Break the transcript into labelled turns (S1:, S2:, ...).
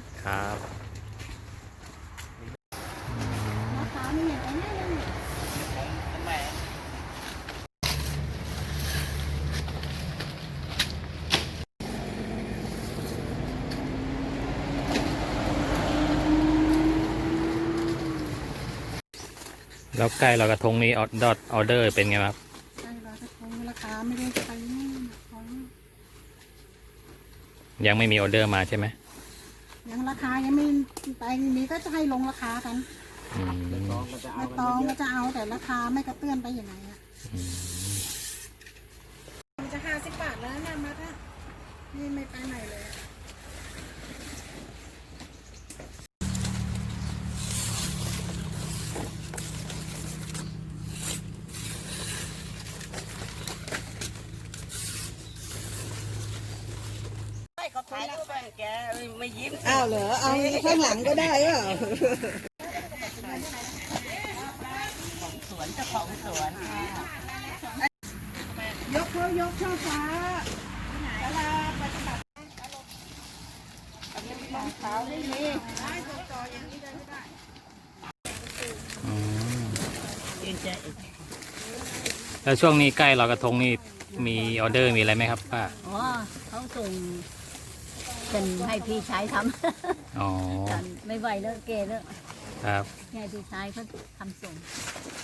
S1: ครับ
S2: ราคาไม่เห็นไอ้นี่เลย
S1: แล้วใกล้ลอยกระทงนี้ออเดอร์เป็นไงครับ
S2: ใช่ราคาคงราคาไม่ได้ไปนี่ของ
S1: ยังไม่มีออเดอร์มาใช่ไหม
S2: ยังราคายังไม่ไปนี้ก็จะให้ลงราคากัน
S1: อืม
S2: ไม่ตองก็จะเอาแต่ราคาไม่กระเตื้อนไปอย่างไรอ่ะมันจะ50 บาทแล้วนะมัดอ่ะนี่ไม่ไปไหนเลย
S3: เขาถ่ายรูปไปแกไม่ยิ้ม
S2: อ้าวเหรอเอาข้างหลังก็ได้เหรอ
S3: สวนเจ้าของสวนค่ะ
S2: ยกเขายกช่อฟ้าเวลาปฏิบัติรองเท้าไม่มีได้ต่ออย่างนี้ได้ไม่ได้
S1: อืม
S3: เองจะ
S1: แล้วช่วงนี้ใกล้ลอยกระทงนี่มีออเดอร์มีอะไรไหมครับป้า
S3: อ๋อเขาส่งเป็นให้พี่ชายท
S1: อ๋อ
S3: ำกันไม่ไหวแล้วเกแล้ว
S1: ครับ
S3: ให้พี่ชายเขาทำส่ง